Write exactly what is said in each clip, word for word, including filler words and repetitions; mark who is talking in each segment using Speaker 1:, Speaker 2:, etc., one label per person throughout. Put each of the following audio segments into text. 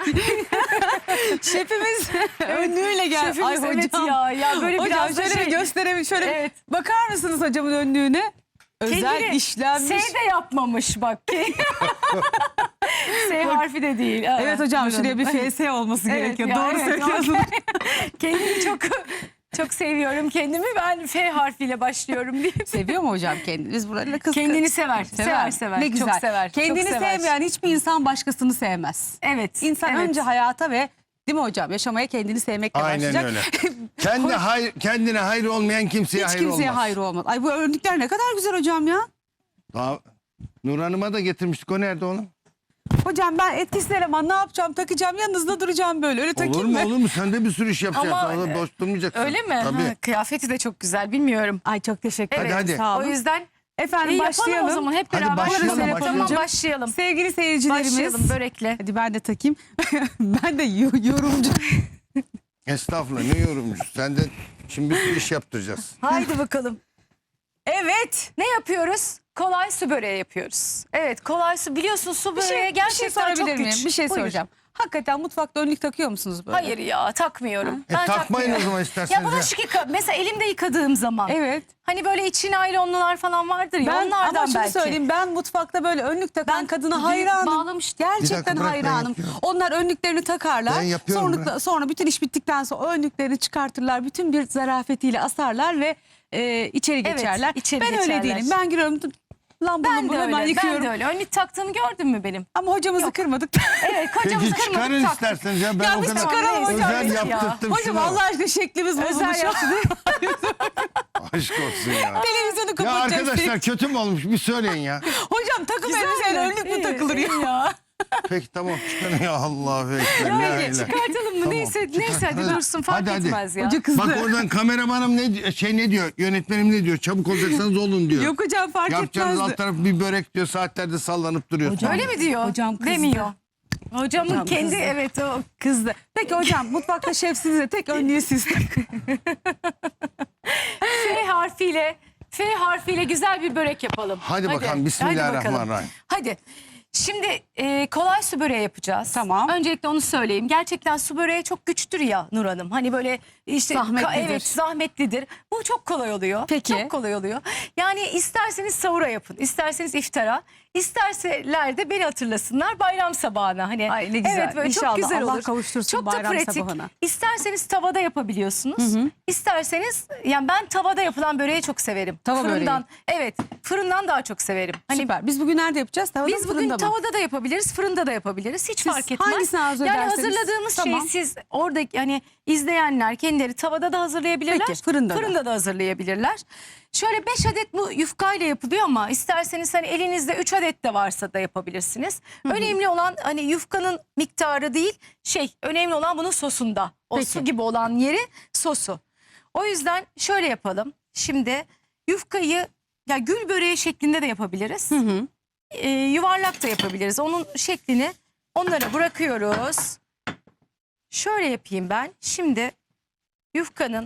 Speaker 1: Şefimiz önlüğüyle geldi.
Speaker 2: Şefimiz
Speaker 1: Ay hocam.
Speaker 2: evet ya. Ya böyle
Speaker 1: Hocam
Speaker 2: biraz da
Speaker 1: şöyle
Speaker 2: şey.
Speaker 1: bir gösterelim. Şöyle
Speaker 2: Evet.
Speaker 1: bakar mısınız hocamın önlüğüne? Özel
Speaker 2: Kendini
Speaker 1: işlenmiş.
Speaker 2: S de yapmamış bak. S harfi de değil. Aa,
Speaker 1: Evet hocam
Speaker 2: buyurun.
Speaker 1: şuraya bir F S olması
Speaker 2: Evet
Speaker 1: gerekiyor.
Speaker 2: ya,
Speaker 1: Doğru
Speaker 2: evet,
Speaker 1: söylüyorsunuz.
Speaker 2: Kendimi çok çok seviyorum kendimi. Ben F harfiyle başlıyorum diyeyim.
Speaker 1: Seviyor mu hocam kendini? Biz buralarla kız
Speaker 2: Kendini sever. Sever sever.
Speaker 1: Ne güzel.
Speaker 2: Çok sever.
Speaker 1: Kendini
Speaker 2: çok sever.
Speaker 1: sevmeyen hiçbir insan başkasını sevmez.
Speaker 2: Evet.
Speaker 1: İnsan
Speaker 2: evet.
Speaker 1: önce hayata ve değil mi hocam? Yaşamaya kendini sevmekle
Speaker 3: Aynen
Speaker 1: başlayacak.
Speaker 3: öyle. Kendi hayır, kendine hayır olmayan kimseye
Speaker 1: Hiç
Speaker 3: hayır
Speaker 1: kimseye
Speaker 3: olmaz.
Speaker 1: hayır olmaz. Ay bu örnekler ne kadar güzel hocam ya.
Speaker 3: Daha Nur Hanım'a da getirmiştik. O nerede oğlum?
Speaker 1: Hocam ben etkisiz eleman ne yapacağım? Takacağım yanınızda duracağım böyle. Öyle takayım
Speaker 3: Olur
Speaker 1: mı?
Speaker 3: mu olur mu? Sen de bir sürü iş yapacaksın.
Speaker 2: Ama,
Speaker 3: Orada boş durmayacaksın.
Speaker 2: Öyle mi?
Speaker 3: Tabii.
Speaker 2: Ha, kıyafeti de çok güzel. Bilmiyorum.
Speaker 1: Ay çok teşekkür
Speaker 2: Evet,
Speaker 1: ederim.
Speaker 3: hadi.
Speaker 1: Sağ olun.
Speaker 2: O yüzden
Speaker 1: Efendim
Speaker 2: iyi
Speaker 1: başlayalım.
Speaker 2: yapalım o zaman hep
Speaker 3: Hadi
Speaker 2: beraber.
Speaker 3: başlayalım,
Speaker 2: Tamam,
Speaker 3: başlayalım.
Speaker 2: başlayalım.
Speaker 1: Sevgili seyircilerimiz.
Speaker 2: Başlayalım börekle.
Speaker 1: Hadi ben de takayım. Ben de yo- yorumcu.
Speaker 3: Estağfurullah ne yorumcu. Senden şimdi bir sürü iş yaptıracağız.
Speaker 2: Haydi bakalım.
Speaker 1: Evet.
Speaker 2: Ne yapıyoruz? Kolay su böreği yapıyoruz. Evet, kolay su. Biliyorsun su
Speaker 1: Bir
Speaker 2: böreği
Speaker 1: şey, bir şey
Speaker 2: gerçekten çok
Speaker 1: sorabilir
Speaker 2: güç.
Speaker 1: miyim? Bir şey
Speaker 2: Buyur.
Speaker 1: soracağım. Hakikaten mutfakta önlük takıyor musunuz böyle?
Speaker 2: Hayır ya, takmıyorum.
Speaker 3: E, takmayın o zaman isterseniz.
Speaker 2: Ya bulaşık yıka. Mesela elimde yıkadığım zaman.
Speaker 1: Evet.
Speaker 2: Hani böyle için naylonlular falan vardır ya,
Speaker 1: Ben
Speaker 2: onlardan
Speaker 1: ama şunu
Speaker 2: belki.
Speaker 1: söyleyeyim, ben mutfakta böyle önlüktakan
Speaker 2: Ben
Speaker 1: kadına
Speaker 2: düğün
Speaker 1: hayranım.
Speaker 2: bağlamıştım.
Speaker 3: Bir
Speaker 1: Gerçekten
Speaker 3: dakika, bırak, ben
Speaker 1: hayranım.
Speaker 3: yapıyorum.
Speaker 1: Onlar önlüklerini takarlar.
Speaker 3: Ben yapıyorum,
Speaker 1: Sonra,
Speaker 3: bırak.
Speaker 1: sonra bütün iş bittikten sonra o önlüklerini çıkartırlar. Bütün bir zarafetiyle asarlar ve e, içeri
Speaker 2: Evet,
Speaker 1: geçerler.
Speaker 2: içeri
Speaker 1: ben öyle
Speaker 2: geçerler.
Speaker 1: değilim. Ben giriyorum lambamı
Speaker 2: Ben de
Speaker 1: hemen
Speaker 2: öyle,
Speaker 1: yıkıyorum.
Speaker 2: ben de öyle. Önlük taktığımı gördün mü benim?
Speaker 1: Ama hocamızı kırmadık.
Speaker 2: Evet,
Speaker 3: Peki
Speaker 2: kocamızı
Speaker 3: çıkarın
Speaker 2: kırmadık taktık.
Speaker 3: isterseniz ya. Ben
Speaker 1: Ya
Speaker 3: o
Speaker 1: biz
Speaker 3: kadar
Speaker 1: çıkaralım hocam.
Speaker 3: özel
Speaker 2: Ya.
Speaker 3: yaptırttım
Speaker 1: Hocam
Speaker 3: şunu.
Speaker 1: Allah aşkına şeklimiz
Speaker 2: Özel
Speaker 1: bozulmuş.
Speaker 2: yaptı.
Speaker 3: Aşk olsun ya.
Speaker 1: Televizyonu
Speaker 3: Ya
Speaker 1: kapatacağız.
Speaker 3: arkadaşlar kötü mü olmuş bir söyleyin ya.
Speaker 1: Hocam takım
Speaker 2: Güzel
Speaker 1: elbiseyle
Speaker 2: mi?
Speaker 1: önlük mü
Speaker 2: İyi,
Speaker 1: takılır ya?
Speaker 2: iyi ya.
Speaker 3: Peki tamam çıkarın ya Allah'u ekber. la
Speaker 2: Öyle
Speaker 3: ilahe.
Speaker 2: çıkartalım mı?
Speaker 3: Tamam,
Speaker 2: neyse
Speaker 3: çıkar.
Speaker 2: neyse hadi,
Speaker 3: Hadi.
Speaker 2: dursun fark
Speaker 3: Hadi, hadi.
Speaker 2: etmez ya.
Speaker 1: Hoca kızdı.
Speaker 3: Bak oradan kameramanım ne şey ne diyor? Yönetmenim ne diyor? Çabuk olacaksanız olun diyor.
Speaker 1: Yok hocam fark
Speaker 3: Yapacağınız
Speaker 1: etmezdi.
Speaker 3: alt taraf bir börek diyor. Saatlerde sallanıp duruyorsun.
Speaker 2: Öyle mi diyor?
Speaker 1: Hocam kızdı.
Speaker 2: Demiyor. Hocamın
Speaker 1: Hocam
Speaker 2: kendi
Speaker 1: kızdı.
Speaker 2: evet o.
Speaker 1: Kızdı. Peki hocam mutfakta şefsiniz de tek önlüğü siz.
Speaker 2: F harfiyle F harfiyle güzel bir börek yapalım.
Speaker 3: Hadi bakalım, bismillahirrahmanirrahim.
Speaker 2: Hadi. Şimdi e, kolay su böreği yapacağız.
Speaker 1: Tamam.
Speaker 2: Öncelikle onu söyleyeyim. Gerçekten su böreği çok güçtür ya Nur Hanım. Hani böyle işte
Speaker 1: Zahmetlidir.
Speaker 2: evet zahmetlidir. Bu çok kolay oluyor.
Speaker 1: Peki.
Speaker 2: Çok kolay oluyor. Yani isterseniz sahura yapın, isterseniz iftara, isterseler de beni hatırlasınlar bayram sabahına. Hani
Speaker 1: Ay ne güzel.
Speaker 2: Evet böyle
Speaker 1: İnşallah
Speaker 2: çok güzel
Speaker 1: Allah
Speaker 2: olur.
Speaker 1: kavuştursun
Speaker 2: çok da
Speaker 1: bayram
Speaker 2: pratik.
Speaker 1: sabahına.
Speaker 2: İsterseniz tavada yapabiliyorsunuz. İsterseniz yani ben tavada yapılan böreği çok severim.
Speaker 1: Tava
Speaker 2: Fırından. Evet, fırından daha çok severim. Hani
Speaker 1: Süper. Biz bugün nerede yapacağız? Tavada
Speaker 2: biz
Speaker 1: mı,
Speaker 2: bugün
Speaker 1: fırında mı?
Speaker 2: tavada da yapabiliriz, fırında da yapabiliriz. Hiç
Speaker 1: Siz
Speaker 2: fark etmez.
Speaker 1: hangisini arzu
Speaker 2: Yani
Speaker 1: ederseniz.
Speaker 2: hazırladığımız
Speaker 1: Tamam.
Speaker 2: şeyi siz orada yani izleyenler kendileri tavada da hazırlayabilirler.
Speaker 1: Peki, fırında da.
Speaker 2: Fırında da hazırlayabilirler. Şöyle beş adet bu yufkayla yapılıyor ama isterseniz hani elinizde üç adet de varsa da yapabilirsiniz. Önemli olan hani yufkanın miktarı değil, şey önemli olan bunun sosunda. O
Speaker 1: Peki.
Speaker 2: su gibi olan yeri sosu. O yüzden şöyle yapalım. Şimdi yufkayı ya gül böreği şeklinde de yapabiliriz.
Speaker 1: Hı hı.
Speaker 2: Ee, yuvarlak da yapabiliriz. Onun şeklini onlara bırakıyoruz. Şöyle yapayım ben. Şimdi yufkanın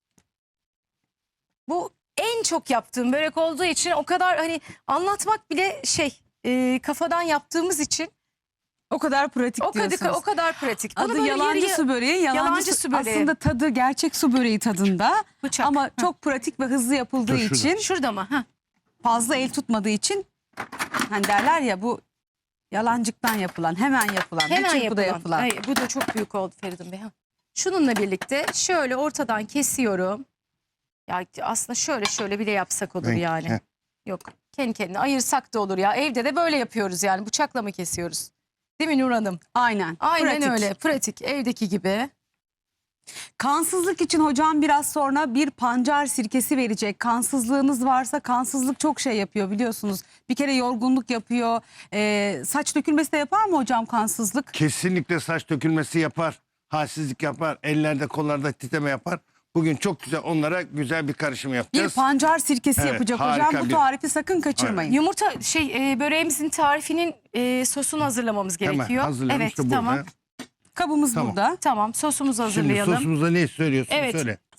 Speaker 2: bu en çok yaptığım börek olduğu için o kadar hani anlatmak bile şey e, kafadan yaptığımız için
Speaker 1: O kadar pratik
Speaker 2: o kadar
Speaker 1: diyorsunuz.
Speaker 2: o kadar pratik. Bunu
Speaker 1: Adı
Speaker 2: böyle
Speaker 1: yalancı
Speaker 2: yarı-
Speaker 1: su böreği. Yalancı,
Speaker 2: Yalancı
Speaker 1: su,
Speaker 2: su böreği.
Speaker 1: Aslında tadı gerçek su böreği tadında.
Speaker 2: Bıçak.
Speaker 1: Ama
Speaker 2: Hı.
Speaker 1: çok pratik ve hızlı yapıldığı
Speaker 3: Dur şurada.
Speaker 1: için
Speaker 2: Şurada mı? Ha.
Speaker 1: fazla el tutmadığı için hani derler ya bu yalancıktan yapılan, hemen yapılan,
Speaker 2: Hemen
Speaker 1: bir çırpıda
Speaker 2: yapılan.
Speaker 1: yapılan.
Speaker 2: Ay, bu da çok büyük oldu Feridun Bey. Ha. Şununla birlikte şöyle ortadan kesiyorum. Ya aslında şöyle şöyle bile yapsak olur
Speaker 3: Ben-
Speaker 2: yani.
Speaker 3: Heh.
Speaker 2: Yok kendi kendine ayırsak da olur ya. Evde de böyle yapıyoruz yani bıçakla mı kesiyoruz? Değil mi Nur Hanım?
Speaker 1: Aynen.
Speaker 2: Aynen
Speaker 1: pratik.
Speaker 2: öyle pratik evdeki gibi.
Speaker 1: Kansızlık için hocam biraz sonra bir pancar sirkesi verecek. Kansızlığınız varsa kansızlık çok şey yapıyor biliyorsunuz. Bir kere yorgunluk yapıyor. Ee, saç dökülmesi de yapar mı hocam kansızlık?
Speaker 3: Kesinlikle saç dökülmesi yapar. Halsizlik yapar. Ellerde kollarda titreme yapar. Bugün çok güzel onlara güzel bir karışım
Speaker 1: Bir
Speaker 3: yapacağız.
Speaker 1: pancar sirkesi
Speaker 3: Evet,
Speaker 1: yapacak
Speaker 3: harika
Speaker 1: hocam. Bu
Speaker 3: bir-
Speaker 1: tarifi sakın kaçırmayın.
Speaker 2: Yumurta şey e, böreğimizin tarifinin e, sosunu hazırlamamız
Speaker 3: Hemen
Speaker 2: gerekiyor.
Speaker 3: hazırlayalım.
Speaker 2: Evet
Speaker 3: İşte burada.
Speaker 2: tamam.
Speaker 1: Kabımız
Speaker 3: Tamam.
Speaker 1: burada.
Speaker 2: Tamam sosumuzu
Speaker 3: Şimdi
Speaker 2: hazırlayalım.
Speaker 3: sosumuza ne söylüyorsun
Speaker 2: Evet.
Speaker 3: söyle.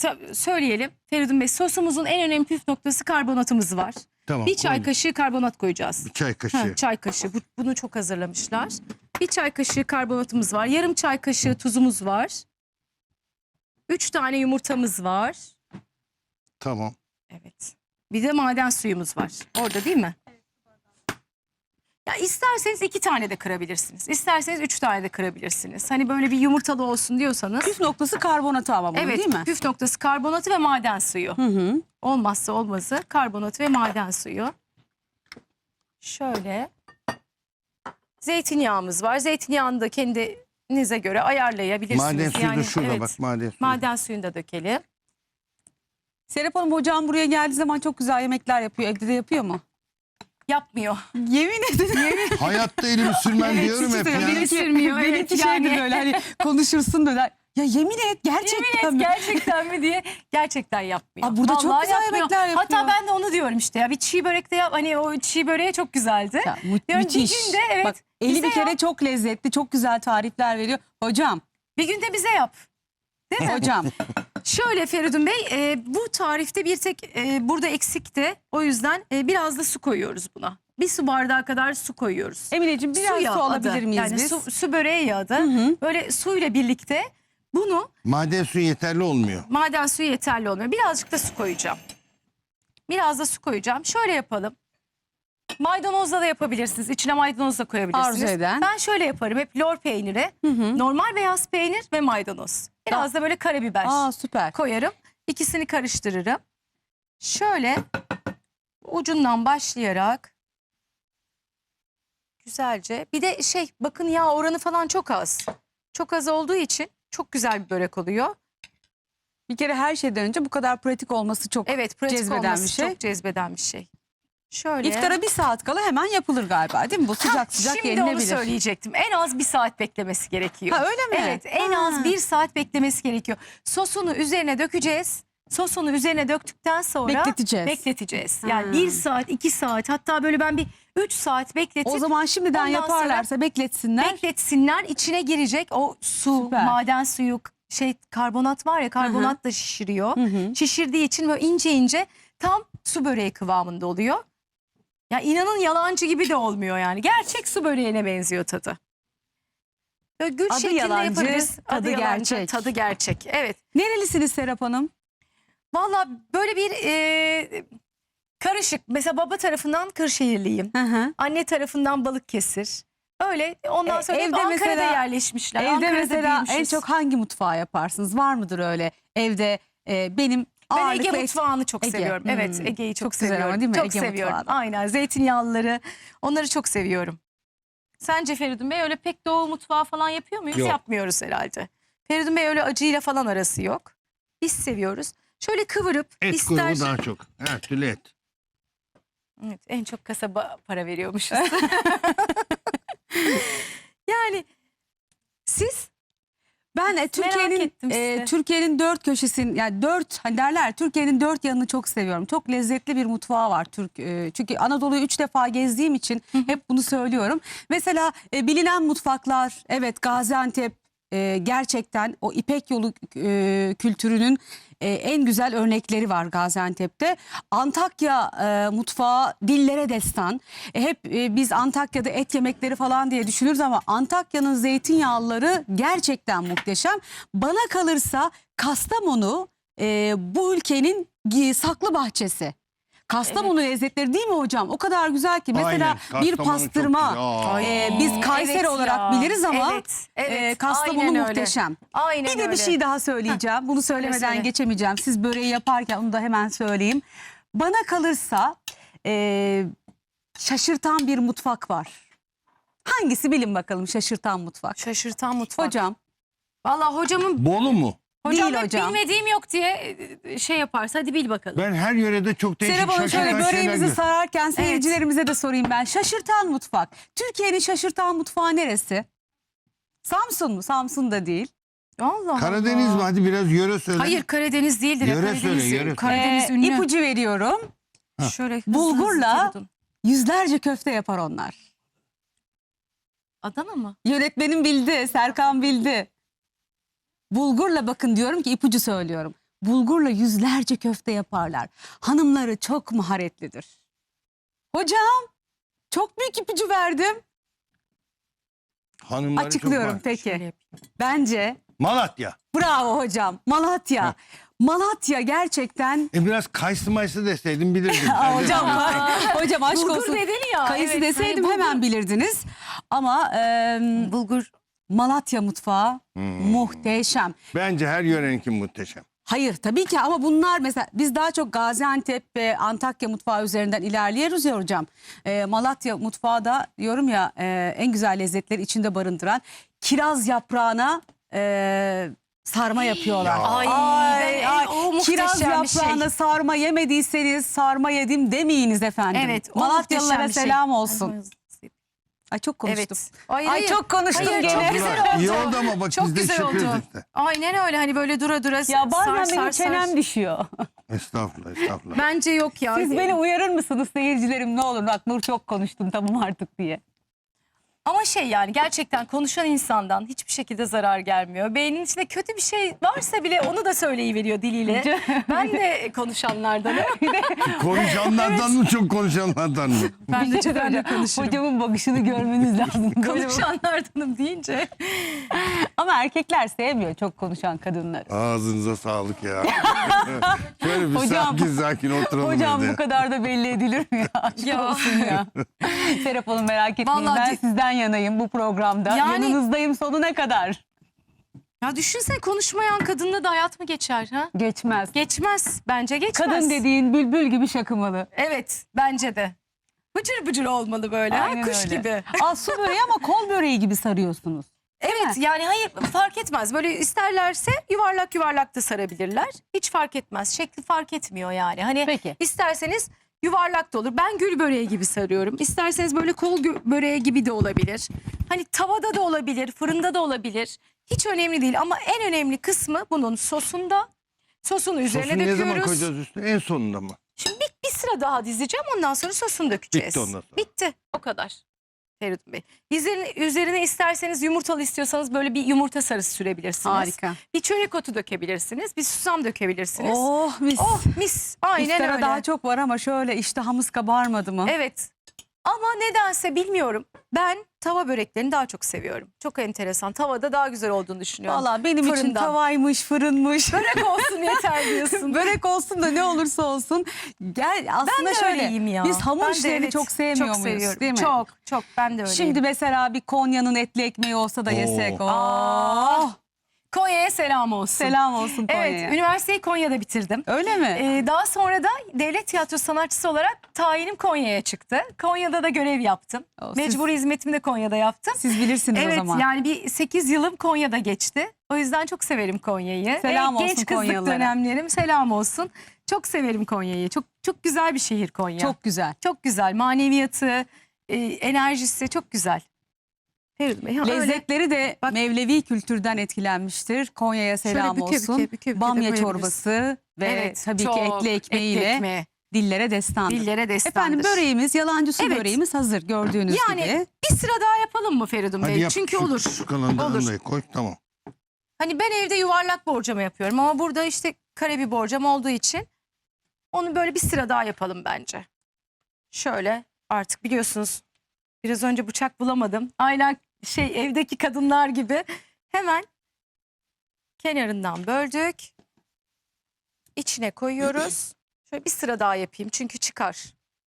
Speaker 2: tabii söyleyelim Feridun Bey, sosumuzun en önemli püf noktası karbonatımız var.
Speaker 3: Tamam.
Speaker 2: Bir çay
Speaker 3: koydum.
Speaker 2: kaşığı karbonat koyacağız.
Speaker 3: Bir çay kaşığı.
Speaker 2: Ha, çay kaşığı. Bu- bunu çok hazırlamışlar. Bir çay kaşığı karbonatımız var. Yarım çay kaşığı tuzumuz var. Üç tane yumurtamız var.
Speaker 3: Tamam.
Speaker 2: Evet. Bir de maden suyumuz var. Orada değil mi? Ya isterseniz iki tane de kırabilirsiniz. İsterseniz üç tane de kırabilirsiniz. Hani böyle bir yumurtalı olsun diyorsanız.
Speaker 1: Püf noktası karbonatı ama bunun
Speaker 2: Evet,
Speaker 1: değil mi?
Speaker 2: püf noktası karbonatı ve maden suyu.
Speaker 1: Hı hı.
Speaker 2: Olmazsa olmazı karbonatı ve maden suyu. Şöyle. Zeytinyağımız var. Zeytinyağını da kendinize göre ayarlayabilirsiniz.
Speaker 3: Maden suyu da
Speaker 2: Yani,
Speaker 3: şurada
Speaker 2: evet,
Speaker 3: bak maden suyu.
Speaker 2: maden suyunu da dökelim.
Speaker 1: Serap Hanım hocam buraya geldiği zaman çok güzel yemekler yapıyor. Evde de yapıyor mu?
Speaker 2: Yapmıyor.
Speaker 1: Yemin ederim.
Speaker 3: Hayatta elimi sürmem diyorum
Speaker 1: Siz
Speaker 3: hep
Speaker 1: de-
Speaker 3: ya.
Speaker 1: Benimki,
Speaker 2: Sürmüyor, evet,
Speaker 1: benimki
Speaker 2: yani.
Speaker 1: şeydir böyle hani konuşursun böyle. Ya yemin et gerçekten
Speaker 2: Yemin et
Speaker 1: mi?
Speaker 2: gerçekten mi diye gerçekten yapmıyor.
Speaker 1: Aa, burada çok
Speaker 2: Vallahi
Speaker 1: güzel yemekler yapıyor.
Speaker 2: Hatta ben de onu diyorum işte ya, bir çiğ börek de yap, hani o çiğ böreği çok güzeldi.
Speaker 1: Ya, mü-
Speaker 2: Yani
Speaker 1: müthiş.
Speaker 2: bir günde evet.
Speaker 1: Bak, eli
Speaker 2: bize
Speaker 1: bir kere
Speaker 2: yap.
Speaker 1: çok lezzetli, çok güzel tarifler veriyor. Hocam,
Speaker 2: Bir günde bize yap. Değil mi?
Speaker 1: hocam.
Speaker 2: Şöyle Feridun Bey, e, bu tarifte bir tek e, burada eksikti. O yüzden e, biraz da su koyuyoruz buna. Bir su bardağı kadar su koyuyoruz.
Speaker 1: Emineciğim biraz su,
Speaker 2: yağı
Speaker 1: alabilir
Speaker 2: adı.
Speaker 1: miyiz
Speaker 2: yani
Speaker 1: biz?
Speaker 2: Su, su böreği yağı da.
Speaker 1: Hı hı.
Speaker 2: Böyle suyla birlikte bunu,
Speaker 3: Maden suyu yeterli olmuyor.
Speaker 2: maden suyu yeterli olmuyor. Birazcık da su koyacağım. Biraz da su koyacağım. Şöyle yapalım. Maydanozla da yapabilirsiniz. İçine maydanoz da koyabilirsiniz.
Speaker 1: Arzu eden.
Speaker 2: Ben şöyle yaparım. Hep lor peyniri,
Speaker 1: Hı hı.
Speaker 2: normal beyaz peynir ve maydanoz. Biraz da böyle karabiber
Speaker 1: Aa süper.
Speaker 2: koyarım. İkisini karıştırırım. Şöyle ucundan başlayarak güzelce. Bir de şey, bakın yağ oranı falan çok az. Çok az olduğu için çok güzel bir börek oluyor.
Speaker 1: Bir kere her şeyden önce bu kadar pratik olması çok.
Speaker 2: Evet, pratik
Speaker 1: Cezbeden
Speaker 2: olması
Speaker 1: bir şey.
Speaker 2: çok cezbeden bir şey. Şöyle.
Speaker 1: İftara bir saat kala hemen yapılır galiba değil mi? Bu sıcak
Speaker 2: Ha,
Speaker 1: sıcak
Speaker 2: şimdi
Speaker 1: yenilebilir.
Speaker 2: onu söyleyecektim. En az bir saat beklemesi gerekiyor.
Speaker 1: Ha öyle mi?
Speaker 2: Evet, en
Speaker 1: Ha.
Speaker 2: az bir saat beklemesi gerekiyor. Sosunu üzerine dökeceğiz. Sosunu üzerine döktükten sonra
Speaker 1: Bekleteceğiz.
Speaker 2: bekleteceğiz.
Speaker 1: Ha.
Speaker 2: Yani bir saat, iki saat, hatta böyle ben bir üç saat bekletip
Speaker 1: O zaman şimdiden
Speaker 2: Ondan
Speaker 1: yaparlarsa bekletsinler.
Speaker 2: bekletsinler. İçine girecek o su,
Speaker 1: Süper.
Speaker 2: maden suyu, şey karbonat var ya, karbonat da şişiriyor.
Speaker 1: Hı hı.
Speaker 2: Şişirdiği için böyle ince ince tam su böreği kıvamında oluyor. Ya inanın yalancı gibi de olmuyor yani. Gerçek su böreğine benziyor tadı. Böyle gül
Speaker 1: Adı
Speaker 2: şeklinde
Speaker 1: yalancı,
Speaker 2: yapabiliriz.
Speaker 1: tadı
Speaker 2: yalancı,
Speaker 1: gerçek.
Speaker 2: Tadı gerçek. Evet.
Speaker 1: Nerelisiniz Serap Hanım?
Speaker 2: Valla böyle bir e, karışık. Mesela baba tarafından Kırşehirliyim.
Speaker 1: Hı hı.
Speaker 2: Anne tarafından Balıkesir. Öyle ondan
Speaker 1: E,
Speaker 2: sonra hep
Speaker 1: evde
Speaker 2: Ankara'da
Speaker 1: mesela-
Speaker 2: yerleşmişler.
Speaker 1: Evde
Speaker 2: Ankara'da
Speaker 1: mesela en
Speaker 2: büyümüşüz.
Speaker 1: çok hangi mutfağı yaparsınız? Var mıdır öyle? Evde e, benim
Speaker 2: Ben
Speaker 1: ağırlıklı
Speaker 2: Ege
Speaker 1: et-
Speaker 2: mutfağını çok
Speaker 1: Ege.
Speaker 2: seviyorum.
Speaker 1: Hmm.
Speaker 2: Evet, Ege'yi çok,
Speaker 1: Çok güzel ama
Speaker 2: seviyorum.
Speaker 1: değil mi?
Speaker 2: Çok
Speaker 1: Ege
Speaker 2: seviyorum.
Speaker 1: mutfağı da.
Speaker 2: Aynen, zeytinyağlıları. Onları çok seviyorum. Sence Feridun Bey öyle pek doğu mutfağı falan yapıyor muyuz?
Speaker 3: Yok.
Speaker 2: Yapmıyoruz herhalde. Feridun Bey öyle acıyla falan arası yok. Biz seviyoruz. Şöyle kıvırıp
Speaker 3: Et
Speaker 2: ister...
Speaker 3: grubu daha çok. Her türlü et.
Speaker 2: Evet, en çok kasaba para veriyormuşuz. Yani siz
Speaker 1: Ben e, Türkiye'nin
Speaker 2: ettim
Speaker 1: e,
Speaker 2: sizi.
Speaker 1: Türkiye'nin dört köşesini yani dört hani derler Türkiye'nin dört yanını çok seviyorum. Çok lezzetli bir mutfağı var Türk. e, çünkü Anadolu'yu üç defa gezdiğim için hep bunu söylüyorum. Mesela e, bilinen mutfaklar evet Gaziantep e, gerçekten o İpek yolu e, kültürünün e, en güzel örnekleri var Gaziantep'te. Antakya e, mutfağı dillere destan. E, hep e, biz Antakya'da et yemekleri falan diye düşünürüz ama Antakya'nın zeytinyağlıları gerçekten muhteşem. Bana kalırsa Kastamonu e, bu ülkenin gi- saklı bahçesi. Kastamonu lezzetleri değil mi hocam? O kadar güzel ki mesela
Speaker 3: Aynen,
Speaker 1: bir
Speaker 3: Kastamonu çok
Speaker 1: pastırma
Speaker 3: güzel.
Speaker 1: e, biz Kayseri
Speaker 2: Evet
Speaker 1: olarak
Speaker 2: ya.
Speaker 1: biliriz ama
Speaker 2: Evet, evet.
Speaker 1: e, Kastamonu
Speaker 2: Aynen öyle.
Speaker 1: muhteşem.
Speaker 2: Aynen
Speaker 1: Bir de
Speaker 2: öyle.
Speaker 1: bir şey daha söyleyeceğim. Bunu söylemeden
Speaker 2: söyle.
Speaker 1: geçemeyeceğim. Siz böreği yaparken onu da hemen söyleyeyim. Bana kalırsa e, şaşırtan bir mutfak var. Hangisi bilin bakalım şaşırtan mutfak.
Speaker 2: Şaşırtan mutfak.
Speaker 1: Hocam
Speaker 2: Vallahi hocamın
Speaker 3: Bolu mu?
Speaker 2: hocam
Speaker 1: Değil
Speaker 2: hep
Speaker 1: hocam.
Speaker 2: bilmediğim yok diye e, şey yaparsa hadi bil bakalım.
Speaker 3: Ben her yörede çok değişik
Speaker 1: Serap Hanım şöyle
Speaker 3: şaşırtan şeyler
Speaker 1: böreğimizi
Speaker 3: görüyorum.
Speaker 1: sararken seyircilerimize de sorayım ben. Şaşırtan mutfak. Türkiye'nin şaşırtan mutfağı neresi? Samsun mu? Samsun da değil.
Speaker 2: Allah
Speaker 3: Karadeniz
Speaker 2: Allah.
Speaker 3: mi? Hadi biraz yöre söyle.
Speaker 2: Hayır, Karadeniz değildir. ya.
Speaker 3: Yöre
Speaker 2: Karadeniz,
Speaker 3: söyle, yöre söyle.
Speaker 2: Karadeniz
Speaker 1: Ee,
Speaker 2: ünlü.
Speaker 1: ipucu veriyorum.
Speaker 2: Şöyle hızlı
Speaker 1: Bulgurla-
Speaker 2: hızlı Feridun.
Speaker 1: Yüzlerce köfte yapar onlar.
Speaker 2: Adana mı?
Speaker 1: Yönetmenim bildi, Serkan bildi. Bulgurla bakın diyorum ki ipucu söylüyorum. bulgurla yüzlerce köfte yaparlar. Hanımları çok maharetlidir. Hocam çok büyük ipucu verdim.
Speaker 3: Hanımları
Speaker 1: Açıklıyorum
Speaker 3: çok var.
Speaker 1: peki.
Speaker 2: Şöyle yapayım.
Speaker 1: Bence
Speaker 3: Malatya.
Speaker 1: bravo hocam. Malatya.
Speaker 3: Ha.
Speaker 1: Malatya gerçekten.
Speaker 3: E biraz kayısı mayısı deseydin bilirdin.
Speaker 1: Aa,
Speaker 3: Hadi.
Speaker 1: hocam hocam aşk
Speaker 2: Bulgur
Speaker 1: olsun.
Speaker 2: dedin ya.
Speaker 1: Kayısı
Speaker 2: evet,
Speaker 1: deseydim
Speaker 2: hani bulgur-
Speaker 1: hemen bilirdiniz. Ama e,
Speaker 2: Bulgur.
Speaker 1: Malatya mutfağı
Speaker 3: Hmm.
Speaker 1: muhteşem.
Speaker 3: Bence her yöreninki muhteşem.
Speaker 1: Hayır tabii ki ama bunlar mesela biz daha çok Gaziantep ve Antakya mutfağı üzerinden ilerliyoruz ya hocam. Ee, Malatya mutfağı da diyorum ya e, en güzel lezzetleri içinde barındıran kiraz yaprağına e, sarma yapıyorlar.
Speaker 3: Ya.
Speaker 2: Ay, ben-
Speaker 1: ay,
Speaker 2: o muhteşem
Speaker 1: kiraz
Speaker 2: bir şey.
Speaker 1: yaprağına sarma yemediyseniz sarma yedim demeyiniz efendim.
Speaker 2: Evet. o
Speaker 1: Malatyalılara
Speaker 2: muhteşem bir şey.
Speaker 1: selam olsun. Ay çok konuştum.
Speaker 2: Evet. Hayır,
Speaker 1: Ay
Speaker 2: hayır.
Speaker 1: çok konuştum
Speaker 2: Hayır,
Speaker 1: gene.
Speaker 2: çok güzel
Speaker 3: Abla,
Speaker 2: oldu.
Speaker 3: iyi oldu ama bak
Speaker 2: Çok
Speaker 3: biz de
Speaker 2: güzel
Speaker 3: işitiyoruz
Speaker 2: oldu.
Speaker 3: işte.
Speaker 2: Aynen öyle, hani böyle dura dura
Speaker 1: Ya bazen
Speaker 2: sar,
Speaker 1: benim
Speaker 2: sar,
Speaker 1: çenem
Speaker 2: sar.
Speaker 1: düşüyor.
Speaker 3: Estağfurullah estağfurullah.
Speaker 2: Bence yok ya.
Speaker 1: Siz beni uyarır mısınız seyircilerim ne olur bak Nur çok konuştum tamam artık diye.
Speaker 2: Ama şey, yani gerçekten konuşan insandan hiçbir şekilde zarar gelmiyor. Beynin içinde kötü bir şey varsa bile onu da söyleyiveriyor diliyle. Ben de konuşanlardanım.
Speaker 3: Konuşanlardan mı çok konuşanlardan mı?
Speaker 2: Ben de
Speaker 1: Bir şey
Speaker 2: ben de
Speaker 1: söyleyeceğim.
Speaker 2: konuşurum.
Speaker 1: Hocamın bakışını görmeniz lazım. Böyle bak-
Speaker 2: Konuşanlardanım deyince.
Speaker 1: Ama erkekler sevmiyor çok konuşan kadınları.
Speaker 3: Ağzınıza sağlık ya. Şöyle bir
Speaker 1: Hocam-
Speaker 3: sakin sakin oturalım
Speaker 1: Hocam
Speaker 3: evde.
Speaker 1: bu kadar da belli edilir mi ya? Aşk
Speaker 2: Ya.
Speaker 1: olsun ya. Serap Hanım merak etmeyin
Speaker 2: Vallahi
Speaker 1: ben
Speaker 2: di-
Speaker 1: sizden yanayım bu programda.
Speaker 2: Yani-
Speaker 1: Yanınızdayım sonuna kadar.
Speaker 2: Ya düşünsene, konuşmayan kadınla da hayat mı geçer ha?
Speaker 1: Geçmez.
Speaker 2: Geçmez. Bence geçmez.
Speaker 1: Kadın dediğin bülbül gibi şakımalı.
Speaker 2: Evet, bence de. Bıcır bıcır olmalı böyle. ha,
Speaker 1: Aynen
Speaker 2: kuş
Speaker 1: öyle.
Speaker 2: gibi.
Speaker 1: Aa, su böreği ama kol böreği gibi sarıyorsunuz.
Speaker 2: Evet, yani hayır, fark etmez. Böyle isterlerse yuvarlak yuvarlak da sarabilirler. Hiç fark etmez. Şekli fark etmiyor yani. Hani
Speaker 1: Peki.
Speaker 2: isterseniz yuvarlak da olur. Ben gül böreği gibi sarıyorum. İsterseniz böyle kol gö- böreği gibi de olabilir. Hani tavada da olabilir, fırında da olabilir. Hiç önemli değil ama en önemli kısmı bunun sosunda. Sosunu üzerine
Speaker 3: Sosunu ne
Speaker 2: döküyoruz.
Speaker 3: zaman koyacağız üstüne? En sonunda mı?
Speaker 2: Şimdi bir, bir sıra daha dizeceğim, ondan sonra sosunu dökeceğiz.
Speaker 3: Bitti ondan sonra.
Speaker 2: Bitti. O kadar. Feridun Bey. Üzerine, üzerine isterseniz yumurtalı istiyorsanız böyle bir yumurta sarısı sürebilirsiniz.
Speaker 1: Harika.
Speaker 2: Bir çörek otu dökebilirsiniz. Bir susam dökebilirsiniz.
Speaker 1: Oh mis.
Speaker 2: Oh mis. Aynen
Speaker 1: İftara
Speaker 2: öyle.
Speaker 1: daha çok var ama şöyle iştahımız kabarmadı mı?
Speaker 2: Evet. Ama nedense bilmiyorum. Ben tava böreklerini daha çok seviyorum. Çok enteresan. Tavada daha güzel olduğunu düşünüyorum.
Speaker 1: Valla benim için
Speaker 2: Fırından.
Speaker 1: tavaymış, fırınmış.
Speaker 2: Börek olsun yeter diyorsun.
Speaker 1: Börek olsun da ne olursa olsun. Gel aslında
Speaker 2: Ben de
Speaker 1: şöyle.
Speaker 2: öyleyim ya.
Speaker 1: Biz hamur
Speaker 2: Ben de
Speaker 1: işlerini
Speaker 2: evet,
Speaker 1: çok sevmiyor
Speaker 2: çok
Speaker 1: muyuz?
Speaker 2: seviyorum.
Speaker 1: Değil mi?
Speaker 2: Çok çok, ben de öyleyim.
Speaker 1: Şimdi mesela bir Konya'nın etli ekmeği olsa da yesek.
Speaker 3: Oo.
Speaker 1: Oh.
Speaker 2: Konya'ya selam olsun.
Speaker 1: Selam olsun Konya'ya.
Speaker 2: Evet, üniversiteyi Konya'da bitirdim.
Speaker 1: Öyle mi?
Speaker 2: Ee, daha sonra da devlet tiyatro sanatçısı olarak tayinim Konya'ya çıktı. Konya'da da görev yaptım.
Speaker 1: O, siz-
Speaker 2: Mecburi hizmetimi de Konya'da yaptım.
Speaker 1: Siz bilirsiniz
Speaker 2: Evet,
Speaker 1: o zaman.
Speaker 2: yani bir sekiz yılım Konya'da geçti. O yüzden çok severim Konya'yı.
Speaker 1: Selam
Speaker 2: Ee,
Speaker 1: olsun
Speaker 2: Genç kızlık
Speaker 1: Konyalılara.
Speaker 2: dönemlerim selam olsun. Çok severim Konya'yı. Çok çok güzel bir şehir Konya. Çok,
Speaker 1: Çok güzel.
Speaker 2: çok güzel. Maneviyatı, e, enerjisi çok güzel. Feridun Bey, ha, öyle.
Speaker 1: Lezzetleri de
Speaker 2: Bak-
Speaker 1: Mevlevi kültürden etkilenmiştir. Konya'ya selam
Speaker 2: büke büke,
Speaker 1: olsun.
Speaker 2: büke büke de
Speaker 1: Bamya
Speaker 2: koyabiliriz.
Speaker 1: çorbası ve
Speaker 2: Evet,
Speaker 1: tabii
Speaker 2: çok
Speaker 1: ki etli ekmeğiyle
Speaker 2: etli ekmeği,
Speaker 1: dillere destandır.
Speaker 2: dillere destandır.
Speaker 1: Efendim böreğimiz, yalancı su
Speaker 2: Evet.
Speaker 1: böreğimiz hazır gördüğünüz
Speaker 2: Yani
Speaker 1: gibi.
Speaker 2: bir sıra daha yapalım mı Feridun
Speaker 3: Hadi
Speaker 2: Bey?
Speaker 3: yap.
Speaker 2: Çünkü
Speaker 3: şu,
Speaker 2: olur.
Speaker 3: Şu kalanı
Speaker 2: Olur.
Speaker 3: da koy tamam.
Speaker 2: Hani ben evde yuvarlak borcama yapıyorum ama burada işte kare bir borcam olduğu için onu böyle bir sıra daha yapalım bence. Şöyle, artık biliyorsunuz biraz önce bıçak bulamadım. Aynen şey, evdeki kadınlar gibi hemen kenarından böldük. İçine koyuyoruz. Şöyle bir sıra daha yapayım çünkü çıkar.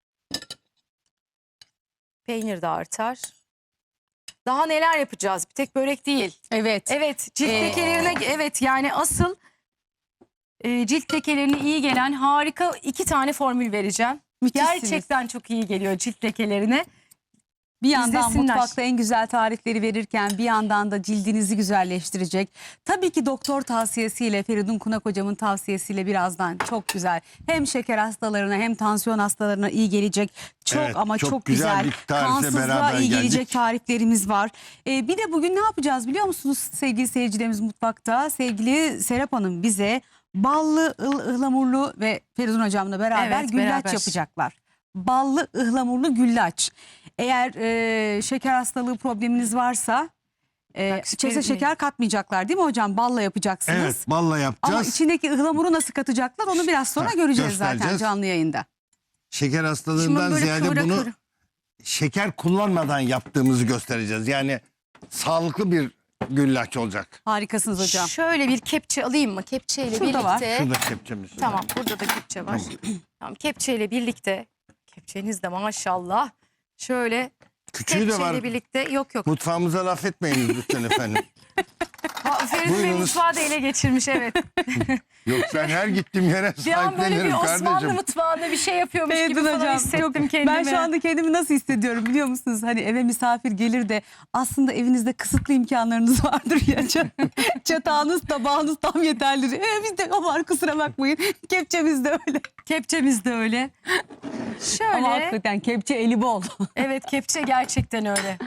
Speaker 2: Peynir de artar. Daha neler yapacağız? Bir tek börek değil.
Speaker 1: Evet.
Speaker 2: Evet, cilt
Speaker 1: Ee,
Speaker 2: lekelerine, evet yani asıl e, cilt lekelerine iyi gelen harika iki tane formül vereceğim.
Speaker 1: Müthişsiniz.
Speaker 2: Gerçekten çok iyi geliyor cilt lekelerine.
Speaker 1: Bir yandan
Speaker 2: izlesinler.
Speaker 1: mutfakta en güzel tarifleri verirken bir yandan da cildinizi güzelleştirecek. Tabii ki doktor tavsiyesiyle, Feridun Kunak hocamın tavsiyesiyle birazdan çok güzel. Hem şeker hastalarına hem tansiyon hastalarına iyi gelecek. Çok
Speaker 3: Evet,
Speaker 1: ama
Speaker 3: çok
Speaker 1: çok,
Speaker 3: güzel
Speaker 1: güzel.
Speaker 3: bir tarife
Speaker 1: Kansızlığa
Speaker 3: beraber
Speaker 1: iyi
Speaker 3: geldik.
Speaker 1: gelecek tariflerimiz var. Ee, bir de bugün ne yapacağız biliyor musunuz sevgili seyircilerimiz mutfakta? Sevgili Serap Hanım bize ballı, ıl, ıhlamurlu ve Feridun hocamla beraber
Speaker 2: Evet,
Speaker 1: güllaç
Speaker 2: beraber.
Speaker 1: yapacaklar. Ballı ıhlamurlu güllaç. Eğer e, şeker hastalığı probleminiz varsa Ee,
Speaker 2: Bak,
Speaker 1: içerisine
Speaker 2: Feridun
Speaker 1: şeker katmayacaklar değil mi hocam? Balla yapacaksınız.
Speaker 3: Evet, balla yapacağız.
Speaker 1: Ama içindeki ıhlamuru nasıl katacaklar onu biraz sonra
Speaker 3: Ha,
Speaker 1: göreceğiz zaten
Speaker 3: göstereceğiz.
Speaker 1: canlı yayında.
Speaker 3: Şeker
Speaker 2: Şimdi
Speaker 3: hastalığından
Speaker 2: böyle
Speaker 3: ziyade
Speaker 2: kıvıra
Speaker 3: bunu
Speaker 2: kıvıra.
Speaker 3: şeker kullanmadan yaptığımızı göstereceğiz. Yani sağlıklı bir güllaç olacak.
Speaker 1: Harikasınız hocam.
Speaker 2: Şöyle bir kepçe alayım mı? Kepçeyle
Speaker 1: Şurada
Speaker 2: birlikte.
Speaker 1: var.
Speaker 3: Şurada kepçemiz.
Speaker 2: Tamam, burada da kepçe var. Tamam, kepçeyle birlikte. Kepçeniz de maşallah. Şöyle
Speaker 3: Küçüğü de
Speaker 2: kepçeyle
Speaker 3: var.
Speaker 2: birlikte. Yok yok.
Speaker 3: Mutfağımıza laf etmeyiniz lütfen efendim.
Speaker 2: Ha, Feridun Bey
Speaker 3: Buyurunuz.
Speaker 2: mutfağı da ele geçirmiş, evet.
Speaker 3: Yok, ben her gittiğim yere
Speaker 2: Bir an böyle bir
Speaker 3: sahiplenirim
Speaker 2: Osmanlı
Speaker 3: kardeşim.
Speaker 2: mutfağında bir şey yapıyormuş gibi
Speaker 1: Feridun
Speaker 2: falan
Speaker 1: hocam,
Speaker 2: hissettim kendimi.
Speaker 1: Ben şu anda kendimi nasıl hissediyorum biliyor musunuz? Hani eve misafir gelir de aslında evinizde kısıtlı imkanlarınız vardır ya. Ç- Çatağınız, tabağınız tam yeterlidir. E, bizde o var, kusura bakmayın. Kepçemiz de öyle.
Speaker 2: Kepçemiz de öyle. Şöyle.
Speaker 1: Ama hakikaten kepçe eli bol.
Speaker 2: Evet, kepçe gerçekten öyle.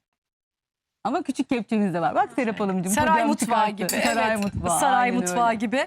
Speaker 1: Ama küçük kepçemiz de var. Bak Serap Hanımcığım.
Speaker 2: Saray
Speaker 1: hocam
Speaker 2: mutfağı
Speaker 1: çıkarttı.
Speaker 2: gibi.
Speaker 1: Saray
Speaker 2: evet.
Speaker 1: mutfağı.
Speaker 2: Saray
Speaker 1: aynen
Speaker 2: mutfağı
Speaker 1: öyle.
Speaker 2: gibi.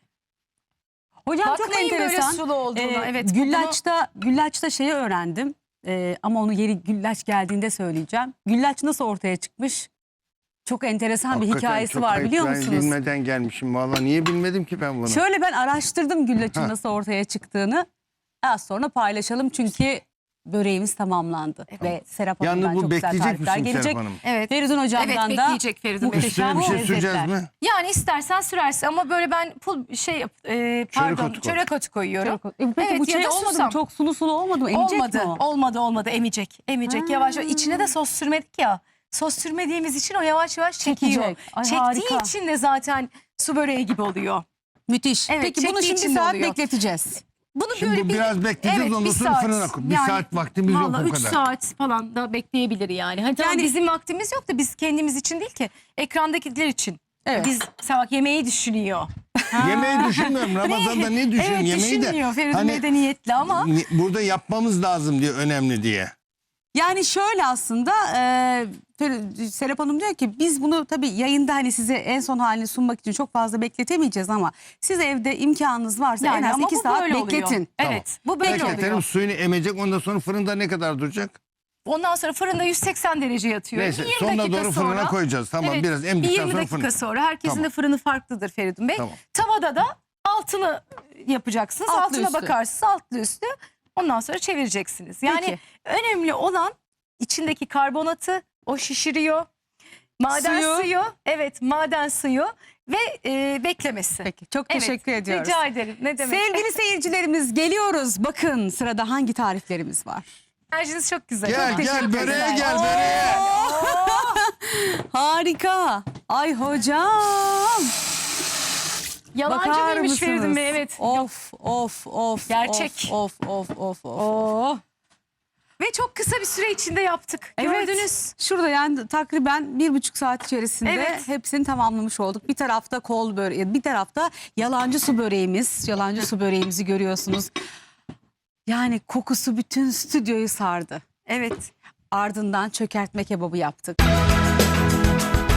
Speaker 1: Hocam çok
Speaker 2: Bakmayın böyle
Speaker 1: enteresan.
Speaker 2: sulu olduğuna.
Speaker 1: Ee,
Speaker 2: Evet,
Speaker 1: güllaçta, güllaçta şeyi öğrendim. Ee, ama onu yeri güllaç geldiğinde söyleyeceğim. Güllaç nasıl ortaya çıkmış? Çok enteresan bir
Speaker 3: Hakikaten
Speaker 1: hikayesi
Speaker 3: çok
Speaker 1: var
Speaker 3: ayıp.
Speaker 1: biliyor
Speaker 3: Ben
Speaker 1: musunuz?
Speaker 3: bilmeden gelmişim valla. Niye bilmedim ki ben bunu?
Speaker 1: Şöyle ben araştırdım güllaçın
Speaker 3: Ha.
Speaker 1: nasıl ortaya çıktığını. Az sonra paylaşalım çünkü böreğimiz tamamlandı. Ve Serap Hanım'dan
Speaker 3: Yalnız bu
Speaker 1: çok güzel
Speaker 3: bekleyecek
Speaker 1: tarifler
Speaker 3: misin
Speaker 1: gelecek.
Speaker 3: Serap Hanım?
Speaker 2: Evet.
Speaker 1: Feridun
Speaker 2: Evet,
Speaker 1: hocamdan da
Speaker 2: bekleyecek Feridun Bey.
Speaker 3: Üstüne bir şey
Speaker 1: lezzetler.
Speaker 3: süreceğiz mi?
Speaker 2: Yani istersen sürersin ama böyle ben pul şey yap- e, pardon
Speaker 3: otu koy.
Speaker 2: çörek otu koyuyorum.
Speaker 1: Çok- E, Peki
Speaker 2: Evet,
Speaker 1: bu
Speaker 2: ya
Speaker 1: şey
Speaker 2: da
Speaker 1: olmadı
Speaker 2: susam.
Speaker 1: mı? Çok sulu sulu olmadı mı? Emecek
Speaker 2: Olmadı,
Speaker 1: mi o?
Speaker 2: olmadı, olmadı. Emecek, emecek.
Speaker 1: Ha.
Speaker 2: Yavaş yavaş. İçine de sos sürmedik ya. Sos sürmediğimiz için o yavaş yavaş çekiyor.
Speaker 1: Çekecek. Ay,
Speaker 2: Çektiği
Speaker 1: harika.
Speaker 2: için de zaten su böreği gibi oluyor.
Speaker 1: Müthiş.
Speaker 2: Evet,
Speaker 1: Peki bunu
Speaker 2: çektiği
Speaker 1: şimdi
Speaker 2: için
Speaker 1: bir
Speaker 2: de
Speaker 1: saat
Speaker 2: oluyor.
Speaker 1: bekleteceğiz.
Speaker 2: Bunu
Speaker 3: Şimdi
Speaker 2: böyle
Speaker 3: bu
Speaker 2: bir,
Speaker 3: biraz bekleyeceğiz,
Speaker 2: evet,
Speaker 3: ondan
Speaker 2: bir
Speaker 3: sonra
Speaker 2: saat.
Speaker 3: fırına koy. Bir
Speaker 2: Yani
Speaker 3: saat vaktimiz yok
Speaker 2: vallahi
Speaker 3: o
Speaker 2: üç
Speaker 3: kadar.
Speaker 2: saat falan da bekleyebilir yani. Hani tamam,
Speaker 1: Yani-
Speaker 2: bizim vaktimiz yok da biz kendimiz için değil ki ekrandakiler için.
Speaker 1: Evet.
Speaker 2: Biz mesela bak, yemeği düşünüyor.
Speaker 3: Yemeği düşünmüyorum. Ramazan'da ne düşünüyorum?
Speaker 2: Evet,
Speaker 3: Yemeği de.
Speaker 2: düşünmüyor. Feridun
Speaker 3: Hani
Speaker 2: Bey de niyetli ama.
Speaker 3: ni- burada yapmamız lazım diye, önemli diye.
Speaker 1: Yani şöyle aslında e, Fer- Serap Hanım diyor ki biz bunu tabii yayında hani size en son halini sunmak için çok fazla bekletemeyeceğiz ama siz evde imkanınız varsa en az
Speaker 2: ama
Speaker 1: iki
Speaker 2: bu
Speaker 1: saat
Speaker 2: böyle oluyor.
Speaker 1: bekletin.
Speaker 2: Evet, bu böyle
Speaker 3: Bekletelim,
Speaker 2: oluyor.
Speaker 3: suyunu emecek, ondan sonra fırında ne kadar duracak?
Speaker 2: Ondan sonra fırında yüz seksen derece yatıyor.
Speaker 3: Neyse,
Speaker 2: yirmi
Speaker 3: sonuna
Speaker 2: dakika
Speaker 3: doğru fırına
Speaker 2: sonra-
Speaker 3: koyacağız. Tamam,
Speaker 2: Evet,
Speaker 3: biraz
Speaker 2: bir
Speaker 3: emdikten
Speaker 2: yirmi
Speaker 3: sonra
Speaker 2: dakika
Speaker 3: fırına.
Speaker 2: sonra herkesin
Speaker 3: Tamam.
Speaker 2: de fırını farklıdır Feridun Bey.
Speaker 3: Tamam.
Speaker 2: Tavada da altını yapacaksınız.
Speaker 1: Altlı
Speaker 2: Altına
Speaker 1: üstü.
Speaker 2: bakarsınız, altlı üstü. Ondan sonra çevireceksiniz. Yani
Speaker 1: Peki.
Speaker 2: önemli olan içindeki karbonatı, o şişiriyor. Maden
Speaker 1: Suyu.
Speaker 2: suyu, evet, maden suyu ve e, beklemesi.
Speaker 1: Peki çok
Speaker 2: Evet,
Speaker 1: teşekkür ediyoruz.
Speaker 2: Rica ederim. Ne demek?
Speaker 1: Sevgili seyircilerimiz geliyoruz. Bakın sırada hangi tariflerimiz var?
Speaker 2: Enerjiniz çok güzel.
Speaker 3: Gel
Speaker 2: Çok
Speaker 3: gel
Speaker 2: teşekkür
Speaker 3: böreğe
Speaker 2: ederim.
Speaker 3: gel böreğe.
Speaker 1: Harika. Ay hocam.
Speaker 2: Yalancı
Speaker 1: Bakar
Speaker 2: mıymış
Speaker 1: mısınız?
Speaker 2: Feridun Bey? Evet.
Speaker 1: Of of of.
Speaker 2: Gerçek.
Speaker 1: Of of of of. of.
Speaker 2: Oo. Ve çok kısa bir süre içinde yaptık.
Speaker 1: Evet.
Speaker 2: Gördünüz.
Speaker 1: Şurada yani takriben bir buçuk saat içerisinde
Speaker 2: Evet.
Speaker 1: hepsini tamamlamış olduk. Bir tarafta kol böreği, bir tarafta yalancı su böreğimiz. Yalancı su böreğimizi görüyorsunuz. Yani kokusu bütün stüdyoyu sardı.
Speaker 2: Evet.
Speaker 1: Ardından çökertme kebabı yaptık.